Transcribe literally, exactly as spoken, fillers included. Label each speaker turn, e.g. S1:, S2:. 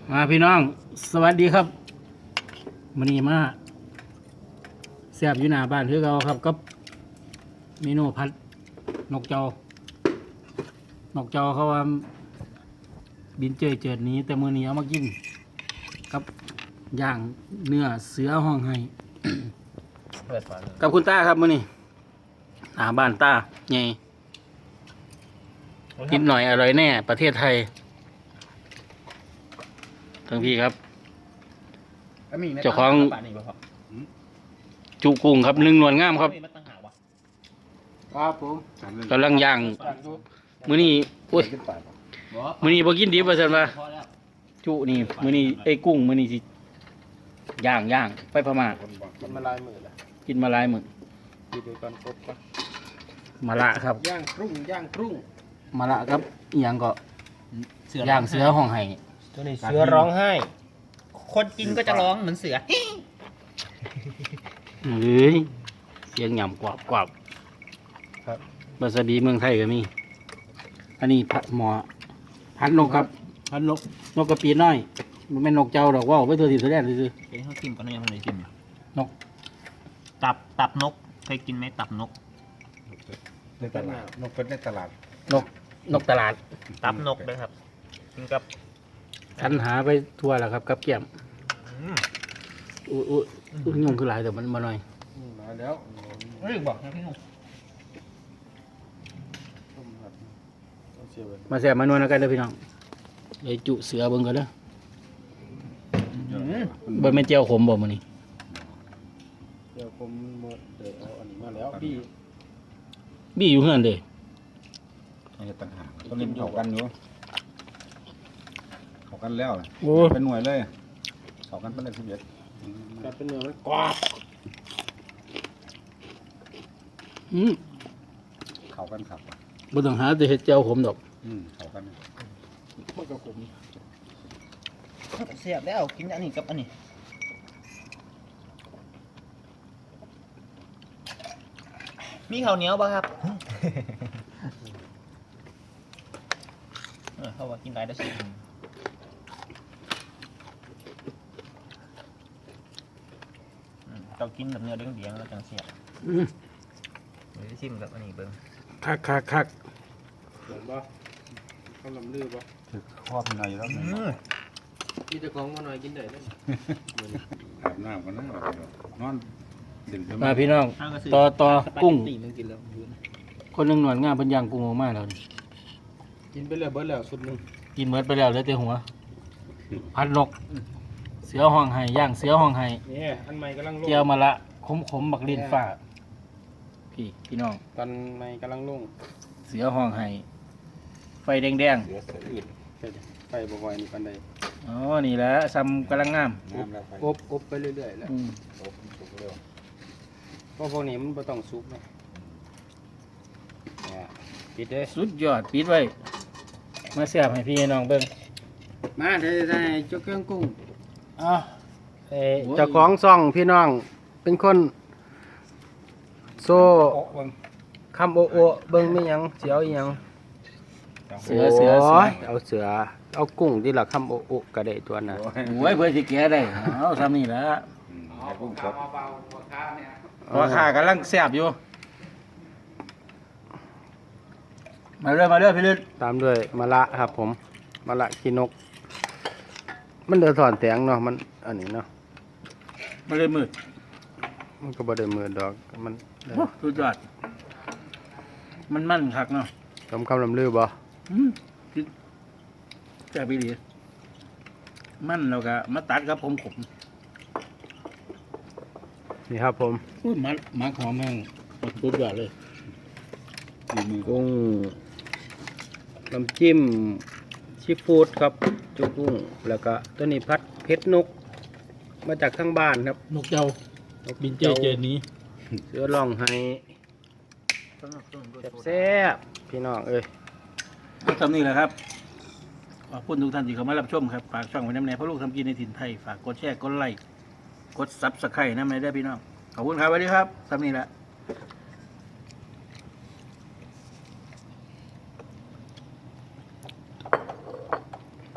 S1: มาพี่น้องสวัสดีครับมื้อนี้มาแซ่บอยู่หน้าบ้านคือเก่าครับกับเมนูผัดนกเจ้านกเจ้าเขาว่าบินเจยเจิดหนี้แต่มื้อนี้เอามากินกับย่างเนื้อเสือห้องไห้ กับคุณตาครับมื้อนี้หน้าบ้านตาใหญ่กินหน่อยอร่อยแน่ประเทศไทยทั้งพี่ครับเจ้าของจุกุ้งครับนึ่งนวลงามครับ
S2: ครับผม
S1: กำลังย่างมื้อนี้โอ้ยมื้อนี้บ่กินดิบว่าซั่นว่าจุนี่มื้อนี้ไอ้กุ้งมื้อนี้สิย่างย่างไปพม่า
S2: กินมาลายมือละ
S1: กินมาหลายมื้อ
S2: กินไปก่อนครบก่อน
S1: มะละครับ
S2: ย่างครุ่งย่างครุ่ง
S1: มะละครับอีหยังก็ย่างเสือห้องไห้
S2: ตัวนี้เสือร้องไห้
S3: คนกินก็จะร้องเหมือนเสือ
S1: เอ้ยเสียงหย่ำกวาบกวาบ
S2: ครับ
S1: บาสบีเมืองไทยก็มีอันนี้ผัดหมอพัดนกครับ
S2: พันนก
S1: นกกระปีน้อยมันเป็นนกเจ้าดอกว่าวไปตัวที่ตัวแรกเลยคือ
S3: เดี๋ยวเขากินก่อนนะยังไม่ได้กิน
S1: นก
S3: ตับตับนกเคยกินไหมตับนก
S4: ในตลาดนกเป็นในตลาด
S1: นกนกตลาด
S3: ตับนกด้วยครับกินกับ
S1: ฉันหาไปทั่วแล้วครับกับเกี่ยมอุ้ยอุ้ยอุ้ยงงคือหลายแต่มันมาหน่อย
S2: มาแล้ว
S3: เรื่องบอกนะพี่หนุ่ม
S2: ต้มผัดเอาเสียบ
S1: มาแซ่บมานวลกันเด้อพี่น้องเลยจุเสือเบิ่งกันเด้อบ่แม่นเจียวขมบ่มื้อนี้
S2: เดี๋ยวผมหมดเดี๋ยวเอาอันนี้มาแล้วพี่
S1: บี้อยู่เฮือนเด้อ
S4: อันนี้ต่างหากต้องเล่นเขากันอยู่เขากันแล้ว
S1: โอ้
S4: เป็นหน่วยเลยเขากันเป็นเลขสิบเอ็ด
S2: กลายเป็นเนื้อมันกรอบ
S1: อืม
S4: เขากันขับ
S1: บ่ต้องหาแต่เฮ็ดเจียวขมดอก
S4: อืมเขากัน
S2: มันก็ขม
S3: เสียบแล้วกินอันนี้กับอันนี้มีข้าวเหนียวป่ะครับ เออเขาว่ากินได้ได้สิเรากินแบบเนื้อเดี้ยงๆแล้วจังเสียบ
S1: อืม
S3: เดี๋ยวจะชิมกับอันนี้เบิ้ง
S1: คักคักคัก
S2: เห็นป่ะข้าวลำลือป่ะ
S4: คือครอบในแล้ว
S2: พี่จะของมาหน่อยกินได้ไหม
S4: อาบน้ำกันนะนอนดื่มเพิ่ม
S1: มาพี่น้องต่อต่อกุ้ง
S3: ตีมันกินแล้ว
S1: คนหนึงหนวดงามเพิ่นย่างกุ้งออกมาแล้วนี่
S2: กินไปแล้วเบิดแล้วสุดหนึ่ง
S1: กินหมดไปแล้วเหลือแต่หัวพัดนก เสือห้องไห้ย่างเสือห้องไห้
S2: นี่อันใหม่กำลังลง
S1: เจียวมะละขมขมๆบักลิ้นฟ้าพี่พี่น้อง
S2: ตอนใหม่กำลังลง
S1: เสือห้องไห้ไฟแดง
S4: เหลือเสืออื่น
S2: ไปบ่อยๆนี่ปันใด
S1: ๆอ๋อนี่แหละซ้ำกำลังงาม
S4: น้ำแล้วไป
S2: อบอบไปเรื่อยๆแล้ว
S1: อืม
S4: โอ้สุกเร็ว
S2: เพราะพวกนี้มันบ่ต้องซุปนะเนี่ยปิดเลย
S1: สุดยอดปิดไว้มาเสียบให้พี่น้องเบิ่ง
S2: มาได้ได้เจ้าเครื่องกุ้ง
S1: อ้าว
S2: เอ่อเจ้าของซ่องพี่น้องเป็นคนโซ่
S4: โอ้เบิ่ง
S2: คำโอโอเบิ่งไม่ยังเสียวอีหยัง
S1: เสือเสือเสือ
S2: โยเอาเสือเอากุ้งที่ละคำโอโอก็ได้ตัวน่ะ
S4: โอ้ย
S1: โอ้ยเพื่อสิแกะได้เอาซ้ำนี่แหละ
S4: อืมให้กุ้งสด
S1: ราคากำลังแซ่บอยู่มาเรื่อยมาเรื่อยพี่ลึก
S2: ตามด้วยมะละครับผมมะละขี้นก มันเดือดถอนแตงเนาะมันอันนี้เนาะ
S1: มาเรื่อยมืด
S2: มันก็บ่ได้มือดอกมันได้
S1: สุดยอดมันมั่นคักเนาะ
S2: คำคำลำลือบ่
S1: อืมแซ่บอีหลีมันแล้วก็มาตัดกับผมขม
S2: นี่ครับผม
S1: อุ้ยมันมักหอมแม่งสุดยอดเลย
S4: มีมือ
S2: กุ้งน้ำจิ้มซีฟู้ดครับจุกุ้งแล้วก็ตัวนี้พัดเพชรนก มาจากข้างบ้านครับ
S1: นกเจ้า
S2: นก
S1: บินเจเจนี้
S2: เสือร้องให้แซ่บๆพี่น้องเอ้ย
S1: ก็ทำนี่แหละครับขอบคุณทุกท่านที่เข้ามารับชมครับ ฝากช่องไว้น้ำแน่เพราะลูกทำกินในถิ่นไทย ฝากกดแชร์ กดไลค์ กดซับสไครต์น้ำในได้พี่น้อง ขอบคุณครับสวัสดีครับทำนี่แหละ